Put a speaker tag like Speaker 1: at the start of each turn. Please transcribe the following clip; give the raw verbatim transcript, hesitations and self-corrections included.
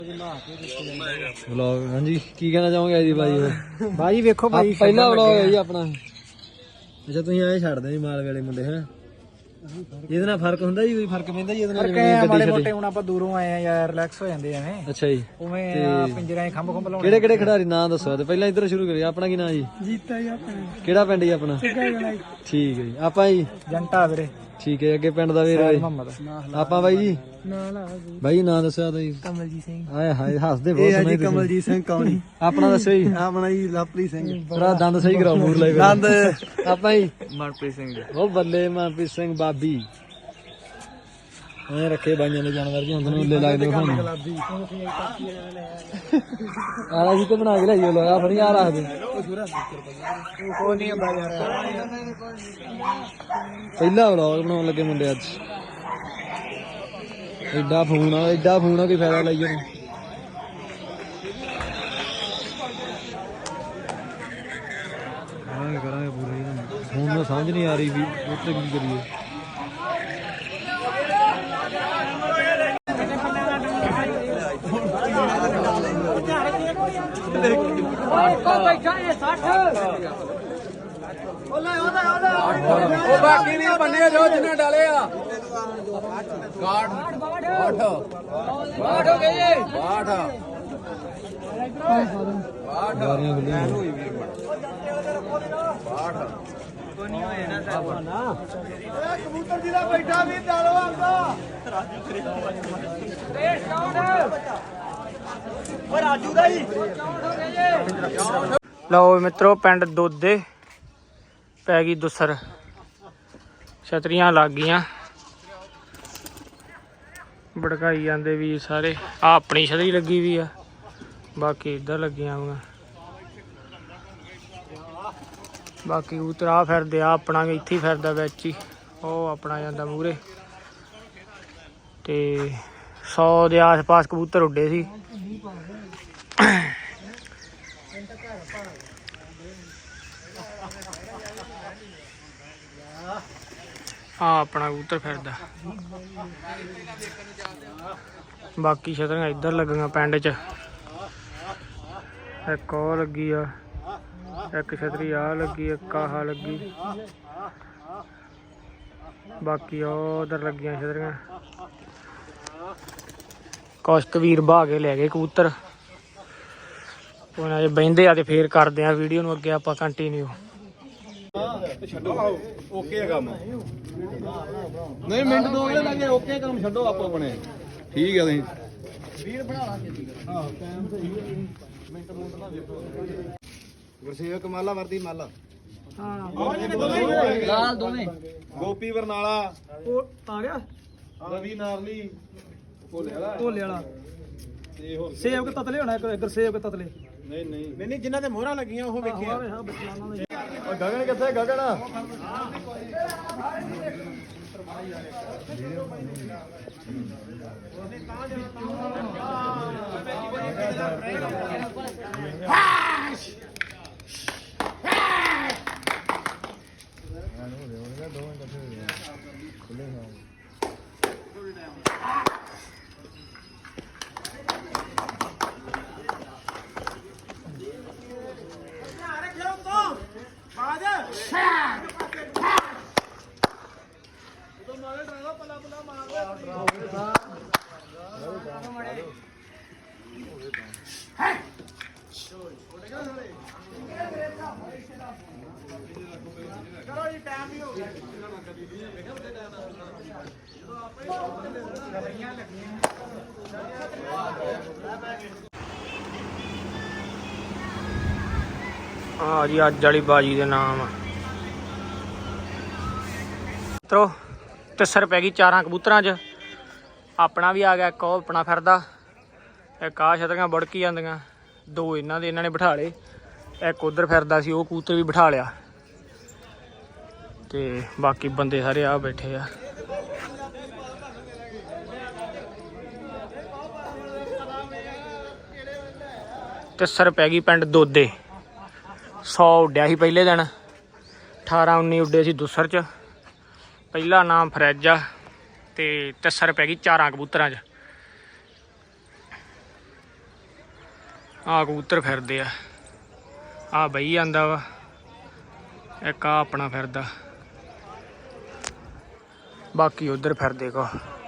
Speaker 1: Vlog ਹਾਂਜੀ ਕੀ ਕਹਿਣਾ ਚਾਹੋਗੇ ਜੀ ਬਾਈ?
Speaker 2: ਬਾਈ ਵੇਖੋ ਬਾਈ
Speaker 1: ਪਹਿਲਾ ਵਲੌਗ ਹੈ ਜੀ ਆਪਣਾ। ਅੱਛਾ ਤੁਸੀਂ ਐ ਛੱਡਦੇ ਜੀ ਮਾਲ ਵੇਲੇ ਮੁੰਡੇ ਹੈ ਇਹਦੇ ਨਾਲ ਫਰਕ ਹੁੰਦਾ ਜੀ? ਕੋਈ ਫਰਕ ਪੈਂਦਾ ਜੀ ਇਹਦੇ ਨਾਲ?
Speaker 2: ਜਿਵੇਂ ਮਾੜੇ ਮੋਟੇ ਹੁਣ ਆਪਾਂ ਦੂਰੋਂ ਆਏ ਆ ਯਾਰ ਰਿਲੈਕਸ ਹੋ ਜਾਂਦੇ ਐਵੇਂ।
Speaker 1: ਅੱਛਾ ਜੀ
Speaker 2: ਉਵੇਂ ਪਿੰਜਰਾਂ 'ਚ ਖੰਭ ਖੰਭ ਲਾਉਣੇ।
Speaker 1: ਕਿਹੜੇ ਕਿਹੜੇ ਖਿਡਾਰੀ ਨਾਂ ਦੱਸੋ ਤੇ ਪਹਿਲਾਂ ਇੱਧਰ ਸ਼ੁਰੂ ਕਰੀਏ। ਆਪਣਾ ਕੀ ਨਾਂ ਜੀ?
Speaker 2: ਜੀਤਾ ਜੀ ਆਪਣਾ।
Speaker 1: ਕਿਹੜਾ ਪਿੰਡ ਜੀ ਆਪਣਾ? ਠੀਕ ਹੈ ਜੀ। ਆਪਾਂ ਜੀ
Speaker 2: ਜੰਟਾ ਵੀਰੇ।
Speaker 1: ਠੀਕ ਹੈ। ਅੱਗੇ ਪਿੰਡ ਦਾ ਵੀਰ ਆਪਾਂ ਬਾਈ ਜੀ ਬਾਈ ਨਾਂ ਦੱਸਿਆ ਤਾਂ ਜੀ?
Speaker 2: ਕਮਲਜੀਤ ਸਿੰਘ।
Speaker 1: ਹਾਏ ਹਾਏ ਹੱਸਦੇ ਬਹੁਤ ਸੋਹਣੇ।
Speaker 2: ਕਮਲਜੀਤ ਸਿੰਘ ਕੌਣੀ।
Speaker 1: ਆਪਣਾ ਦੱਸੋ ਜੀ?
Speaker 2: ਆਪਣਾ ਜੀ ਲਵਪ੍ਰੀਤ ਸਿੰਘ।
Speaker 1: ਤੇਰਾ ਦੰਦ ਸਹੀ ਕਰਾਓ ਮੂਰ ਲਾਈ ਦੰਦ। ਆਪਾਂ ਜੀ
Speaker 2: ਮਨਪ੍ਰੀਤ ਸਿੰਘ।
Speaker 1: ਉਹ ਬੱਲੇ ਮਨਪ੍ਰੀਤ ਸਿੰਘ ਬਾਬੀ ਐ ਰੱਖੇ ਬਾਈਆਂ ਦੇ ਜਾਨਵਰ ਜੀ। ਹੁਣ ਤੁਹਾਨੂੰ ਉੱਲੇ ਲੱਗਦੇ ਹੋ ਤੁਹਾਨੂੰ ਆਲਾ ਜੀ ਤੇ ਬਣਾ ਕੇ ਲਿਆਈਓ। ਲਗਾ ਫੜੀ ਆ ਰੱਖ ਦੇ।
Speaker 2: ਕੋਈ ਨਹੀਂ ਹੁੰਦਾ ਯਾਰ।
Speaker 1: ਪਹਿਲਾ ਵਲੌਗ ਬਣਾਉਣ ਲੱਗੇ ਮੁੰਡੇ ਅੱਜ। ਐਡਾ ਫੋਨ ਆ ਐਡਾ ਫੋਨ ਆ ਕੋਈ ਫਾਇਦਾ ਲਈ ਉਹਨੂੰ। ਕਰਾਂਗੇ ਕਰਾਂਗੇ ਪੂਰਾ। ਫੋਨ ਨੂੰ ਸਮਝ ਨਹੀਂ ਆ ਰਹੀ ਵੀ ਉੱਥੇ ਕੀ ਕਰੀਏ।
Speaker 3: ਉਹ ਬਾਕੀ ਨਹੀਂ ਬੰਨੇ ਜੋ ਜਿੰਨੇ ਡਾਲੇ ਆ ਗਾੜ ਬਾਠ ਬਾਠ ਹੋ ਗਏ ਜੀ ਬਾਠ ਬਾਠ
Speaker 1: ਬਾਰੀਆਂ ਖੁੱਲੀਆਂ
Speaker 3: ਬਾਠ ਕੋਈ ਨਹੀਂ ਹੋਏ ਨਾ ਸਾਹਿਬ ਨਾ ਇਹ ਕਬੂਤਰ ਜੀ ਦਾ ਬੈਠਾ ਵੀ ਡਾਲੋ ਆਂਦਾ ਇਹ ਸ਼ਾਟ ਓ ਰਾਜੂ ਦਾ ਜੀ।
Speaker 2: ਲਓ ਮਿੱਤਰੋ ਪਿੰਡ ਦੋਦੇ ਪੈ ਗਈ ਦੁਸਰ। ਛਤਰੀਆਂ ਲੱਗ ਗਈਆਂ ਭੜਕਾਈ ਜਾਂਦੇ ਵੀ ਸਾਰੇ। ਆ ਆਪਣੀ ਛਤਰੀ ਲੱਗੀ ਵੀ ਆ ਬਾਕੀ ਇੱਧਰ ਲੱਗੀਆਂ ਹੋਈਆਂ। ਬਾਕੀ ਕਬੂਤਰ ਆ ਫਿਰਦੇ ਆ ਆਪਣਾ ਇੱਥੇ ਹੀ ਫਿਰਦਾ ਵਿੱਚ ਹੀ। ਉਹ ਆਪਣਾ ਜਾਂਦਾ ਮੂਹਰੇ ਤੇ ਸੌ ਦੇ ਆਸ ਪਾਸ ਕਬੂਤਰ ਉੱਡੇ ਸੀ। ਆ ਆਪਣਾ ਕਬੂਤਰ ਫਿਰਦਾ। ਬਾਕੀ ਛਤਰੀਆਂ ਇੱਧਰ ਲੱਗੀਆਂ ਪਿੰਡ 'ਚ। ਇੱਕ ਉਹ ਲੱਗੀ ਆ, ਇੱਕ ਛਤਰੀ ਆ ਲੱਗੀ, ਇੱਕ ਆਹ ਲੱਗੀ। ਬਾਕੀ ਉਹ ਉਧਰ ਲੱਗੀਆਂ ਛਤਰੀਆਂ। ਕੁਛ ਕੁ ਵੀਰ ਬਹਾ ਕੇ ਲੈ ਗਏ ਕਬੂਤਰ। ਉਹਨਾਂ ਜੇ ਬਹਿੰਦੇ ਆ ਤੇ ਫੇਰ ਕਰਦੇ ਆ ਵੀਡੀਓ ਨੂੰ ਅੱਗੇ ਆਪਾਂ ਕੰਟੀਨਿਊ।
Speaker 3: ਛੱਡੋ ਓਕੇ ਕੰਮ ਨਹੀਂ ਮਿੰਟ ਦੋ ਜਿਹੜੇ ਲੱਗੇ ਓਕੇ ਕੰਮ ਛੱਡੋ ਆਪੋ ਆਪਣੇ। ਠੀਕ ਹੈ ਤੁਸੀਂ ਵੀਰ ਬਣਾ ਲਾਂਗੇ। ਹਾਂ ਟਾਈਮ ਤੇ ਮਿੰਟ ਮਿੰਟ ਨਾ ਦੇਖੋ। ਗੁਰਸੇਵਕ ਮਾਲਾ ਵਰਦੀ ਮਾਲਾ ਹਾਂ ਲਾਲ ਦੋਵੇਂ ਗੋਪੀ ਬਰਨਾਲਾ ਉਹ ਆ ਗਿਆ। ਰਵੀ ਨਾਰਲੀ ਭੋਲੇ ਵਾਲਾ ਭੋਲੇ ਵਾਲਾ ਤੇ ਹੋਰ ਸੇਵਕ ਤਤਲੇ ਹੋਣਾ। ਇੱਕ ਗੁਰਸੇਵਕ ਤਤਲੇ ਨਹੀਂ ਨਹੀਂ ਨਹੀਂ ਜਿਨ੍ਹਾਂ ਦੇ ਮੋਹਰਾਂ ਲੱਗੀਆਂ ਉਹ ਵੇਖਿਆ। ਗਗਨ ਕਿੱਥੇ? ਗਗਨ
Speaker 2: ਆ ਜੀ ਅੱਜ ਵਾਲੀ ਬਾਜੀ ਦੇ ਨਾਮ ਮਿੱਤਰੋ ਤਿਸਰ ਪੈ ਗਈ ਚਾਰਾਂ ਕਬੂਤਰਾਂ 'ਚ। ਆਪਣਾ ਵੀ ਆ ਗਿਆ ਇੱਕ ਉਹ ਆਪਣਾ ਫਿਰਦਾ। ਇੱਕ ਆਹ ਛਤਰੀਆਂ ਬੜਕੀ ਜਾਂਦੀਆਂ। ਦੋ ਇਹਨਾਂ ਦੇ ਇਹਨਾਂ ਨੇ ਬਿਠਾ ਲਏ। ਇੱਕ ਉਧਰ ਫਿਰਦਾ ਸੀ ਉਹ ਕਬੂਤਰ ਵੀ ਬਿਠਾ ਲਿਆ। ਤੇ ਬਾਕੀ ਬੰਦੇ ਸਾਰੇ ਆ ਬੈਠੇ ਆ। ਤਿਸਰ ਪੈ ਗਈ ਪਿੰਡ ਦੋਦੇ। ਸੌ ਉੱਡਿਆ ਸੀ ਪਹਿਲੇ ਦਿਨ। ਅਠਾਰਾਂ ਉੱਨੀ ਉੱਡੇ ਸੀ ਦੁਸਰ 'ਚ। ਪਹਿਲਾ ਨਾਮ ਫਰੈਜ ਆ ਤੇ ਤਿਸਰ ਪੈ ਗਈ ਚਾਰਾਂ ਕਬੂਤਰਾਂ 'ਚ। ਆ ਕਬੂਤਰ ਫਿਰਦੇ ਆ ਆ ਬਈ ਜਾਂਦਾ ਵਾ ਇੱਕ ਆ ਆਪਣਾ ਫਿਰਦਾ ਬਾਕੀ ਉਧਰ ਫਿਰਦੇ ਕੋ